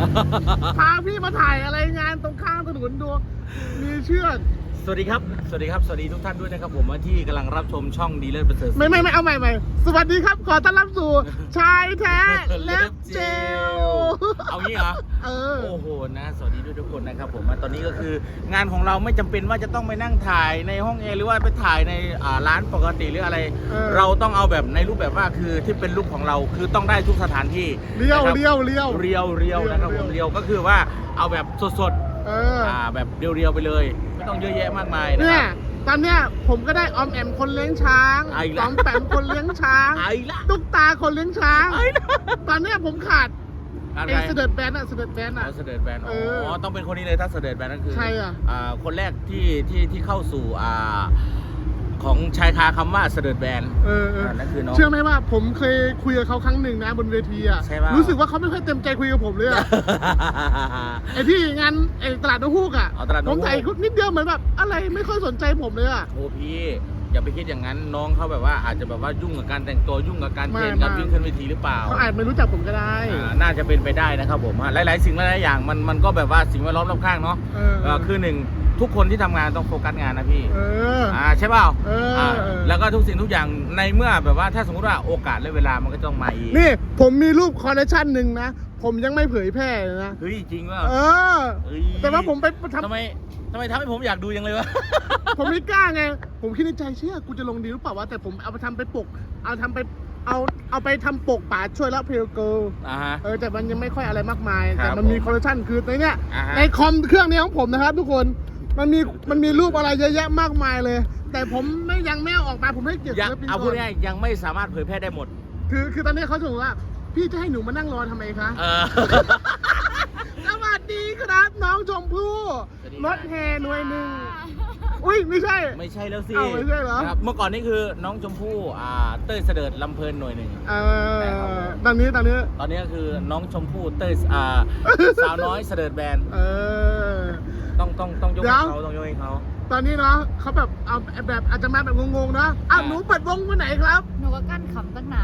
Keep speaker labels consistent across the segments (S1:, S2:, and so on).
S1: พาพี่มาถ่ายอะไรงานตรงข้างถนนดูมีเชือก
S2: สวัสดีครับ สวัสดีครับ สวัสดีทุกท่านด้วยนะครับผมที่กำลังรับชมช่องดีเลิศประเสริฐ
S1: ไม่เอาใหม่สวัสดีครับขอต้อนรับสู่ชายแท้เล็บเจล
S2: เอางี้เหรอโอ้โหนะสวัสดีด้วยทุกคนนะครับผมตอนนี้ก็คืองานของเราไม่จำเป็นว่าจะต้องไปนั่งถ่ายในห้องแอร์หรือว่าไปถ่ายในร้านปกติหรืออะไร เราต้องเอาแบบในรูปแบบว่าคือที่เป็นรูปของเราคือต้องได้ทุกสถานที่
S1: เรียว
S2: นะครับผมเรียวก็คือว่าเอาแบบสดแบบเรียวๆไปเลยไม่ต้องเยอะแยะมากมายนะ
S1: เนี่
S2: ค
S1: ย
S2: รับ
S1: ตอนเนี้ยผมก็ได้ออมแอมคนเลี้ยงช้างสองแปมคนเลี้ยงช้างตุ๊กตาคนเลี้ยงช้างตอนเนี้ยผมขาดไอ้เสด็จแบนอะเสด็จแบนอะ
S2: เสด็จแบนอ๋อต้องเป็นคนนี้เลยถ้าเสด็จแบนนั่นคือ
S1: ใช่อ่ะ
S2: คนแรกที่เข้าสู่ของชายคาคำว่าเสด็จแบนนั่นคือน้อง
S1: เชื่อไหมว่าผมเคยคุยกับเขาครั้งหนึ่งนะบนเวทีอ่ะรู้สึกว่าเขาไม่ค่อยเต็มใจคุยกับผมเลยอ่ะ ไอ้ที่งานไอ้ตลาดนกฮูกอ่ะผมถ่ายนิดเดียวเหมือนแบบอะไรไม่ค่อยสนใจผมเลยอ่ะ
S2: โอ้พี่อย่าไปคิดอย่างนั้นน้องเขาแบบว่าอาจจะแบบว่ายุ่งกับการแต่งตัวยุ่งกับการเทรนการวิ่งขึ้นเวทีหรือเปล่า
S1: เขาอาจไม่รู้จักผมก็ได้
S2: น่าจะเป็นไปได้นะครับผมหลายๆสิ่งหลายๆอย่างมันก็แบบว่าสิ่งแวดล้อมรอบข้างเนาะคือหนึ่งทุกคนที่ทำงานต้องโฟกัสงานนะพี่ใช่เปล่าแล้วก็ทุกสิ่งทุกอย่างในเมื่อแบบว่าถ้าสมมติว่าโอกาสและเวลามันก็ต้องมาอีก
S1: นี่ผมมีรูปคอลเลคชันหนึ่งนะผมยังไม่เผยแพร่เลยนะ
S2: เฮ้ยจริงว่า
S1: แต่ว่าผมไป
S2: ทำไมทำให้ผมอยากดูยังเลยวะ
S1: ผมไม่กล้าไงผมคิดในใจเชื่อกูจะลงดีหรือเปล่าวะแต่ผมเอาไปทำไปปกเอาไปทำปกป่าช่วยละเพลเกิลแต่มันยังไม่ค่อยอะไรมากมายแต่มันมีคอลเลคชันคือในเนี้ยในคอมเครื่องนี้ของผมนะครับทุกคนมันมีรูปอะไรเยอะแยะมากมายเลยแต่ผมยังไม่เอาออกมาผมให้เกียรติศิลปินก่อน
S2: เอาพูดง่ายยังไม่สามารถเผยแพร่ได้หมด
S1: คือตอนนี้เขาถึงว่าพี่จะให้หนูมานั่งรอทำไมคะสวัสดีครับน้องชมพู่รถแห่หน่วยหนึ่งอุ้ยไม่ใช่
S2: แล้วสิ
S1: ไม่ใช่เหรอ
S2: เมื่อก่อนนี่คือน้องชมพู่เต้ยเสด็จลำเพลินหน่วยหนึ่ง
S1: ตอน
S2: นี้ก็คือน้องชมพู่เต้ยสาวน้อยเสด็จแบนต้องยกให้เขาต้องยกให้เขา
S1: ตอนนี้เนาะเขาแบบเอาแบบอาจจะมาแบบงงๆนะหนูเปิดวงวันไหนครับ
S3: หนูก็กั้นขำตั้งนาน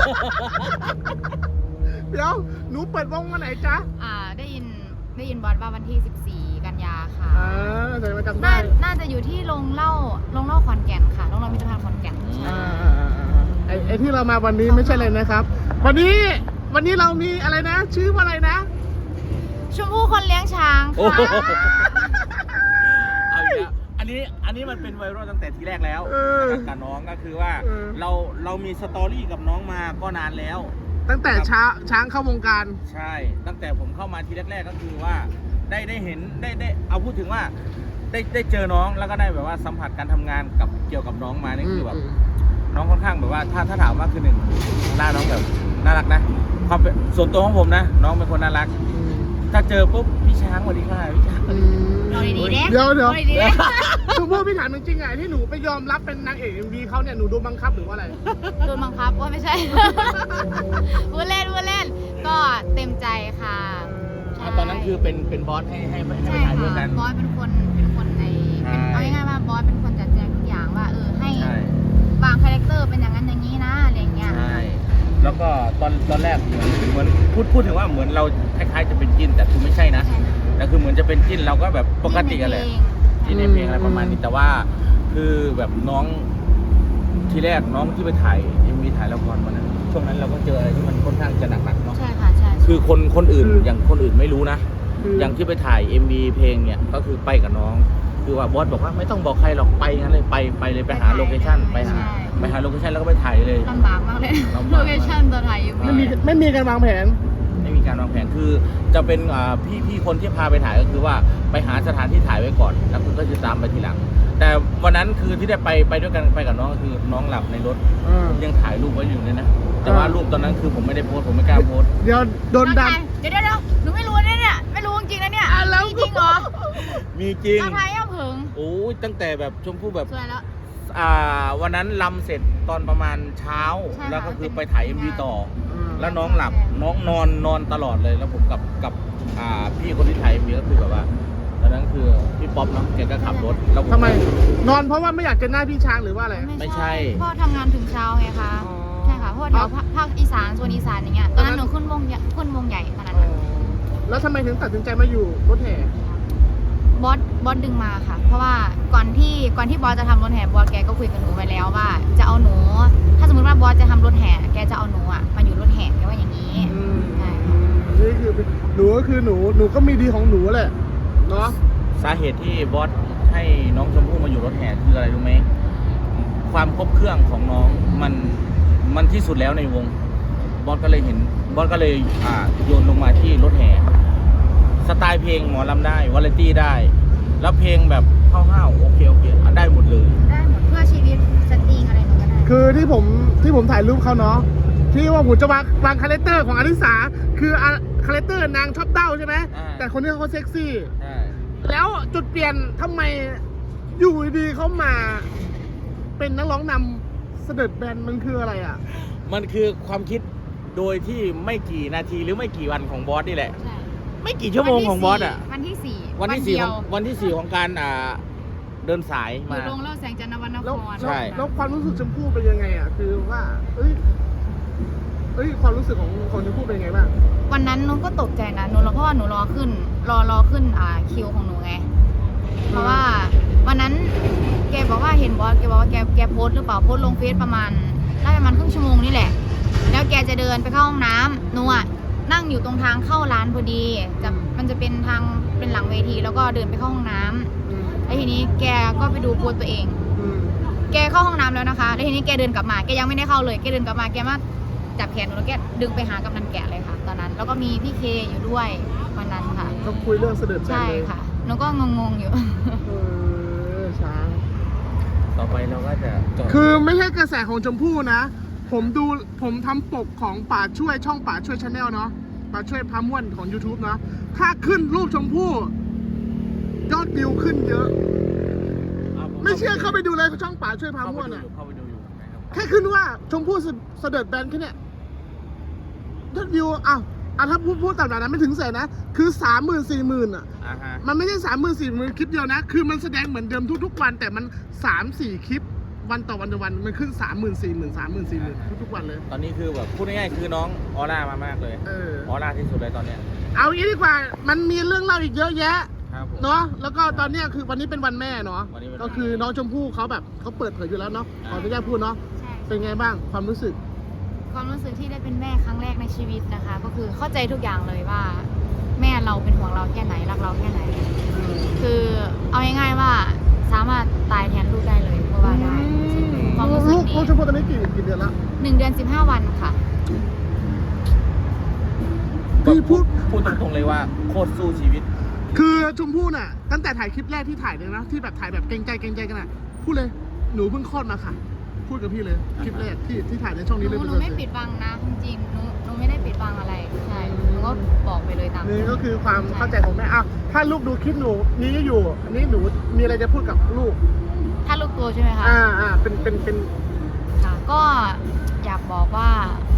S1: เดี๋ยวหนูเปิดวงวันไหนจ๊ะ
S3: ได้ยินบอสว่าวันที่14กันยาค่ะ
S1: เดี๋ยวมาจำได้
S3: น่าจะอยู่ที่โรงเหล้าขอนแก่นค่ะโรงเหล้ามิตรภาพขอนแก่น
S1: ไอ้ที่เรามาวันนี้ไม่ใช่เลยนะครับวันนี้เรามีอะไรนะชื่อว่าอะไรนะ
S3: ชมพู่คนเลี้ยงช้างค่ะ
S2: อันนี้มันเป็นไวรัลตั้งแต่ทีแรกแล้วกับน้องก็คือว่าเรามีสตอรี่กับน้องมาก็นานแล้ว
S1: ตั้งแต่ช้างเข้าวงการ
S2: ใช่ตั้งแต่ผมเข้ามาทีแรกๆก็คือว่าได้เห็นได้เอาพูดถึงว่าได้เจอน้องแล้วก็ได้แบบว่าสัมผัสการทำงานกับเกี่ยวกับน้องมานี่คือแบบน้องค่อนข้างแบบว่าถ้าถามว่าคือหนึ่งหน้าน้องแบบน่ารักนะความเป็นส่วนตัวของผมนะน้องเป็นคนน่ารักถ้าเจอปุ๊บพี่ช้างสวัสดีค่ะพี่ช้าง
S1: เดี๋ยวคือพวกพี่ถามจริงๆไงที่หนูไปยอมรับเป็นนางเอกMVเขาเนี่ยหนูโดนบังคับหรือว่าอะไร
S3: โดนบังคับว่าไม่ใช่พูดเล่นก็เต็มใจค่ะ
S2: ตอนนั้นคือเป็นบอสให้ไปถ่ายด้วยกัน
S3: บอสเป็นคนในเอาง่ายๆว่าบอสเป็นคนจัดแจงทุกอย่างว่าให้วางคาแรคเตอร์เป็นอย่างนั้นอย่างนี้นะอะไรเงี้ย
S2: ใช่แล้วก็ตอนแรกเหมือนพูดถึงว่าเหมือนเราคล้ายๆจะเป็นจิ้นแต่คือไม่ใช่นะแต่คือเหมือนจะเป็นจิ้นเราก็แบบปกติกันแหละที่ในเพลงอะไรประมาณนี้แต่ว่าคือแบบน้องทีแรกน้องที่ไปถ่ายMVถ่ายละครวันนั้นช่วงนั้นเราก็เจออะไรที่มันค่อนข้างจะหนักๆเนาะ
S3: ใช่ค่ะใช่
S2: คือคนอื่นอย่างคนอื่นไม่รู้นะอย่างที่ไปถ่าย MV เพลงเนี่ยก็คือไปกับน้องคือว่าบอสบอกว่าไม่ต้องบอกใครหรอกไปงั้นเลยไปเลยไปหาโลเคชั่นไปหาโลเคชั่นแล้วก็ไปถ่ายเลย
S3: ลำบากมากเลยโลเคชั่นตอนถ่าย
S1: ไม่มีการวางแผน
S2: คือจะเป็นพี่คนที่พาไปถ่ายก็คือว่าไปหาสถานที่ถ่ายไว้ก่อนแล้วคุณก็จะตามไปทีหลังแต่วันนั้นคือที่ได้ไปด้วยกันไปกับน้องก็คือน้องหลับในรถยังถ่ายรูปไว้อยู่เลยนะแต่ว่ารูปตอนนั้นคือผมไม่ได้โพสผมไม่กล้าโพส
S1: เดี๋ยวโดนดัน
S3: เดี๋ยวหนูไม่รู้เนี่ยไม่รู้จริงนะเนี่ยมีจริงเหรอ
S2: มีจริง
S3: ถ่ายเอาเผิง
S2: โอ้ยตั้งแต่แบบชมพู่แบบ
S3: สวยแล้ว
S2: วันนั้นลำเสร็จตอนประมาณเช้าแล้วก็คือไปถ่าย MV ต่อแล้วน้องหลับน้องนอนตลอดเลยแล้วผมกับพี่คนที่ถ่าย MV ก็คือแบบว่าตอนนั้นคือพี่ป๊อปเนาะแกก็ขับรถแล้ว
S1: ทำไมนอนเพราะว่าไม่อยากเจอหน้าพี่ช้างหรือว่าอะไร
S2: ไม่ใช่
S3: พ่อทำงานถึงเช้าไงคะใช่ค่ะเพราะแถวภาคอีสานส่วนอีสานอย่างเงี้ยตอนนั้นหนูขึ้นวงใหญ่ตอนนั้น
S1: แล้วทำไมถึงตัดสินใจมาอยู่รถแห่
S3: บอสดึงมาค่ะ เพราะว่าก่อนที่บอสจะทำรถแห่บอสแกก็คุยกับหนูไว้แล้วว่าจะเอาหนู ถ้าสมมติว่าบอสจะทำรถแห่แกจะเอาหนูอ่ะมาอยู่รถแห่แกว่าอย่างนี้ใช่
S1: นี่คือหนูก็คือหนูก็มีดีของหนูแหละเนาะ
S2: สาเหตุที่บอสให้น้องชมพู่มาอยู่รถแห่คืออะไรรู้ไหมความครบเครื่องของน้องมันที่สุดแล้วในวงบอสก็เลยโยนลงมาที่รถแห่สไตล์เพลงหมอลำได้วาไรตี้ได้ แล้วเพลงแบบห้าวๆโอเคได้หมดเลย
S3: ได้หมดเพื่อชีวิตสตริงอะไรหนูก็ได้
S1: คือที่ผมถ่ายรูปเขาเนาะที่ว่าผมจะวางคาแรคเตอร์ของอลิสาคือคาแรคเตอร์นางชอบเต้าใช่ไหมแต่คนนี้เขาเซ็กซี่
S2: ใช่
S1: แล้วจุดเปลี่ยนทำไมอยู่ดีๆเขามาเป็นนักร้องนำเสด็จแบนมันคืออะไรอ่ะ
S2: มันคือความคิดโดยที่ไม่กี่นาทีหรือไม่กี่วันของบอสนี่แหละ
S3: ใช่
S2: ไม่กี่ชั่วโมงของบอสอ่ะ
S3: วันที่สี่
S2: วันที่
S3: เดียว
S2: 4ของการเดินสาย
S3: อ
S2: มา
S3: ยู่โรงเล่าแสงจันทร์วรรณค
S1: แล้ว
S3: ร
S2: ใช่
S1: แล้วความรู้สึกชมพู่เป็นยังไงอ่ะคือว่าเอ้ยความรู้สึกของชมพู่เป็นยังไงบ้าง
S3: วันนั้นหนูก็ตกใจนะหนูเพราะว่าหนูรอขึ้นคิวของหนูไง เพราะว่าวันนั้นแกบอกว่าเห็นบอสแกบอกว่าแกโพสต์หรือเปล่าโพสต์ลงเฟซประมาณครึ่งชั่วโมงนี่แหละ แล้วแกจะเดินไปเข้าห้องน้ำหนูอ่ะนั่งอยู่ตรงทางเข้าร้านพอดีมันจะเป็นทางเป็นหลังเวทีแล้วก็เดินไปเข้าห้องน้ำแล้วทีนี้แกก็ไปดูโพสต์ตัวเอง แกเข้าห้องน้ำแล้วนะคะแล้วทีนี้แกเดินกลับมาแกยังไม่ได้เข้าเลยแกเดินกลับมาแกมาจับแขนหนูแล้วแกดึงไปหากำนันแกะเลยค่ะ ตอนนั้นแล้วก็มีพี่เคอยู่ด้วยวันนั้นค่ะ
S1: ก็คุยเรื่องเสด็จแบน
S3: ใช่
S1: เลย
S3: ค่ะหนูก็งงๆอยู่
S1: ช้าง
S2: ต่อไปเราก็จะจบ
S1: คือไม่ใช่กระแสของชมพู่นะ ผมทำปกของป่าช่วยช่องป่าช่วยชาแนลเนาะป่าช่วยพาม่วนของ YouTube เนาะถ้าขึ้นรูปชมพู่ยอดวิวขึ้นเยอะ ไม่เชื่อเข้าไปดูเลยช่องป่าช่วยพาม่วนอ่ะ
S2: เข้าไปดูอยู่นะครับ
S1: แค่ขึ้นว่าชมพู่เสด็จแบนแค่เนี้ยยอดวิวถ้าพูดตามนั้นไม่ถึงแสนนะคือ30,000-40,000อ่ะ
S2: อ่าฮะ
S1: มันไม่ใช่30,000-40,000คลิปเดียวนะคือมันแสดงเหมือนเดิมทุกๆวันแต่มัน3-4คลิปวันต่อวันมันขึ้น30,000-40,000ทุกๆวันเลย
S2: ตอนนี้คือแบบพูดง่ายๆคือน้องออร่ามากๆเลยออร่าที่สุดเลยตอนเนี้ย
S1: เอางี้ดีกว่ามันมีเรื่องเล่าอีกเยอะแยะ
S2: ครับผม
S1: เนาะแล้วก็ตอนเนี้ยคือวันนี้เป็นวันแม่เนาะ
S2: วันนี้เป็นวันแม่
S1: ก็คือน้องชมพู่เขาแบบเขาเปิดเผยอยู่แล้วเนาะขออนุญาตพูดเนาะ
S3: ใช่
S1: เป็นไงบ้างความรู้สึก
S3: ความรู้สึกที่ได้เป็นแม่ครั้งแรกในชีวิตนะคะ ก็คือเข้าใจทุกอย่างเลยว่า แม่เราเป็นห่วงเราแค่ไหนรักเราแค่ไหน คือเอาง่ายๆว่าสามารถตายแทนลูกได้เลยเพราะว่าได้จริงๆความรู้สึก
S1: ลูก
S3: นี้
S1: ชมพู่ตอนนี้กี่เดือนละ
S3: 1 เดือน 15 วันค่ะ
S1: พี่พูด
S2: ตรงๆเลยว่าโคตรสู้ชีวิต
S1: คือชมพู่น่ะตั้งแต่ถ่ายคลิปแรกที่ถ่ายเลยนะที่แบบถ่ายแบบเกรงใจกันน่ะพูดเลยหนูเพิ่งคลอดมาค่ะ พูดกับพี่เลยคลิปแรกที่ถ่ายในช่อง
S3: ห
S1: นี้เลย
S3: นูไม่ปิดบังนะจริงๆหนูไม่ได้ปิดบังอะไรใช่หนูก็บอกไปเลยตาม
S1: นี่ก็คือความเข้าใจของแม่ถ้าลูกดูคลิปหนูนี้อยู่อันนี้หนูมีอะไรจะพูดกับลูก
S3: ถ้าลูกตัวใช่ไหมคะ
S1: เป็น
S3: ค่ะก็อยากบอกว่า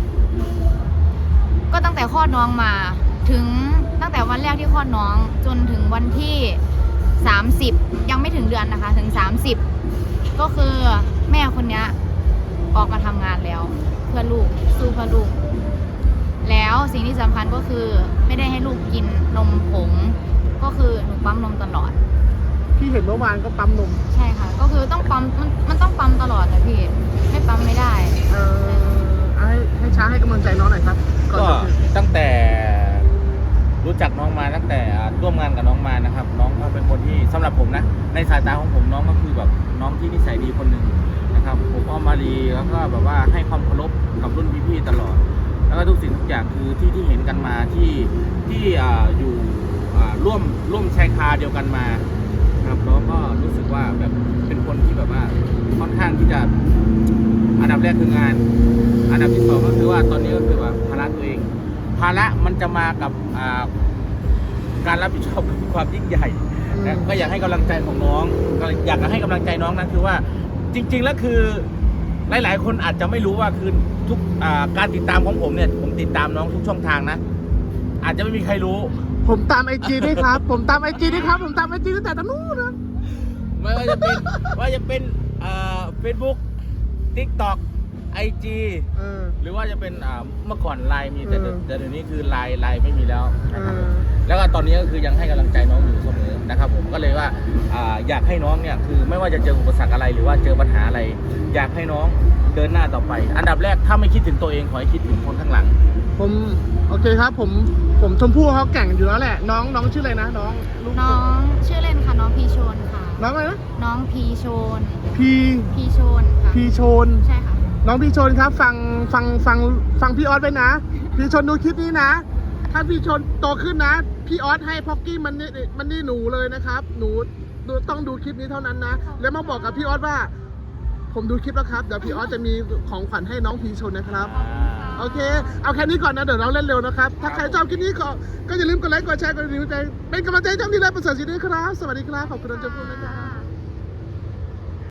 S3: ก็ตั้งแต่คลอดน้องมาถึงตั้งแต่วันแรกที่คลอดน้องจนถึงวันที่30ยังไม่ถึงเดือนนะคะ ถึง30ก็คือแม่คนนี้ออกมาทำงานแล้วเพื่อลูกสู้เพื่อลูก แล้วสิ่งที่สำคัญก็คือไม่ได้ให้ลูกกินนมผงก็คือหนูปั๊มนมตลอด
S1: พี่เห็นเมื่อวานก็ปั๊มนม
S3: ใช่ค่ะ ก็คือต้องปั๊มมันต้องปั๊มตลอดนะพี่ไม่ปั๊มไม่ได้
S1: ให้ช้างให้กำลังใจน้องหน่อยครับ
S2: ก็ตั้งแต่รู้จักน้องมาตั้งแต่ร่วมงานกับน้องมานะครับ น้องก็เป็นคนที่สำหรับผมนะในสายตาของผมน้องก็คือแบบน้องที่นิสัยดีคนหนึ่งนะครับผมอ้อมมารีแล้วก็แบบว่าให้ความเคารพกับรุ่นพี่ๆตลอด แล้วก็ทุกสิ่งทุกอย่างคือที่เห็นกันมาที่อยู่ร่วมชายคาเดียวกันมาครับน้องก็รู้สึกว่าแบบเป็นคนที่แบบว่าค่อนข้างที่จะอันดับแรกคืองานอันดับที่สองก็คือว่าตอนนี้ก็คือว่าภาระตัวเองภาระมันจะมากับการรับผิดชอบความยิ่งใหญ่นะก็อยากให้กำลังใจของน้องก็อยากให้กำลังใจน้องนะคือว่าจริงๆแล้วคือหลายๆคนอาจจะไม่รู้ว่าคือทุกการติดตามของผมเนี่ยผมติดตามน้องทุกช่องทางนะอาจจะไม่มีใครรู้
S1: ผมตามไอจีด้วยครับ ผมตามไอจีด้วยครับผมตามไอจีตั้งแต่ตอนนู้นนะ
S2: ไม่ว่าจะเป็นFacebook TikTok IG หรือว่าจะเป็นเมื่อก่อนไลน์มีแต่เดี๋ยวนี้คือไลน์ไม่มีแล้วนะครับก็ตอนนี้ก็คือยังให้กำลังใจน้องอยู่เสมอนะครับผมก็เลยว่าอยากให้น้องเนี่ยคือไม่ว่าจะเจออุปสรรคอะไรหรือว่าเจอปัญหาอะไร อยากให้น้องเดินหน้าต่อไป อันดับแรกถ้าไม่คิดถึงตัวเองขอให้คิดถึงคนข้างหลัง
S1: ผมโอเคครับผมชมพู่เขาแก่งอยู่แล้วแหละน้องชื่ออะไรนะน้องลูก
S3: น้องชื่อเล่นค่ะน้องพีโชนค่ะ
S1: น้องอะไรนะ
S3: น้องพีโชน
S1: พี
S3: พีโชนค่ะ
S1: พีโชน
S3: ใช่ค่ะ
S1: น้องพี่ชนครับฟังพี่ออสไปนะ พี่ชนดูคลิปนี้นะ ถ้าพี่ชนโตขึ้นนะ พี่ออสให้พ็อกกี้มันนี่หนูเลยนะครับหนูต้องดูคลิปนี้เท่านั้นนะ แล้วมาบอกกับพี่ออสว่า ผมดูคลิปแล้วครับเดี๋ยวพี่ออสจะมีของขวัญให้น้องพี่ชนนะครับ โอเค เอาแค่นี้ก่อนนะเดี๋ยวเราเล่นเร็วนะครับ ถ้าใครชอบคลิปนี้ก็อย่าลืมกดไลค์กดแชร์กดรีวิวใจเป็นกำลังใจให้ช่องที่ได้ประเสริฐชีวิตด้วยครับ สวัสดีครับขอบคุณน้องชมพู่นะครับ